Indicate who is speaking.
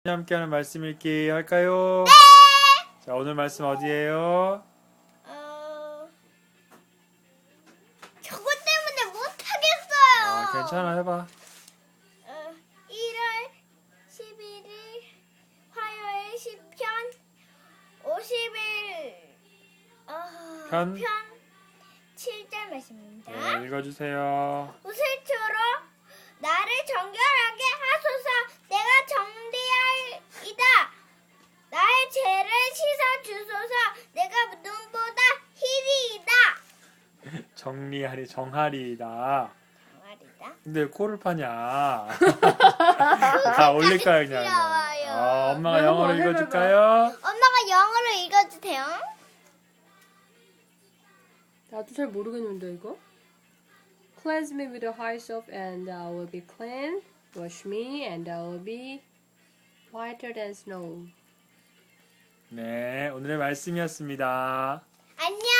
Speaker 1: 함께하는 말씀 읽기 할까요?
Speaker 2: 네!
Speaker 1: 자, 오늘 말씀 어디예요?
Speaker 2: 저것 때문에 못하겠어요.
Speaker 1: 괜찮아, 해봐.
Speaker 2: 1월 11일 화요일 10편 50일
Speaker 1: 편?
Speaker 2: 7절 말씀입니다.
Speaker 1: 네, 읽어주세요.
Speaker 2: 우슬초로 나를 정결하게 하소서. 내가 정리할이다. 나의 죄를 씻어 주소서. 내가 눈보다 희리이다.
Speaker 1: 정하리이다.
Speaker 2: 정말이다.
Speaker 1: 근데 왜 코를 파냐? 다 올릴까요, 그냥?
Speaker 2: 귀여워요.
Speaker 1: 엄마가
Speaker 3: 네,
Speaker 1: 영어로
Speaker 3: 한번
Speaker 1: 읽어줄까요?
Speaker 2: 엄마가 영어로 읽어주세요.
Speaker 3: 나도 잘 모르겠는데 이거. Cleanse me with a high soap and I will be clean. Wash me and I will be whiter than snow.
Speaker 1: 네, 오늘의 말씀이었습니다.
Speaker 2: 안녕.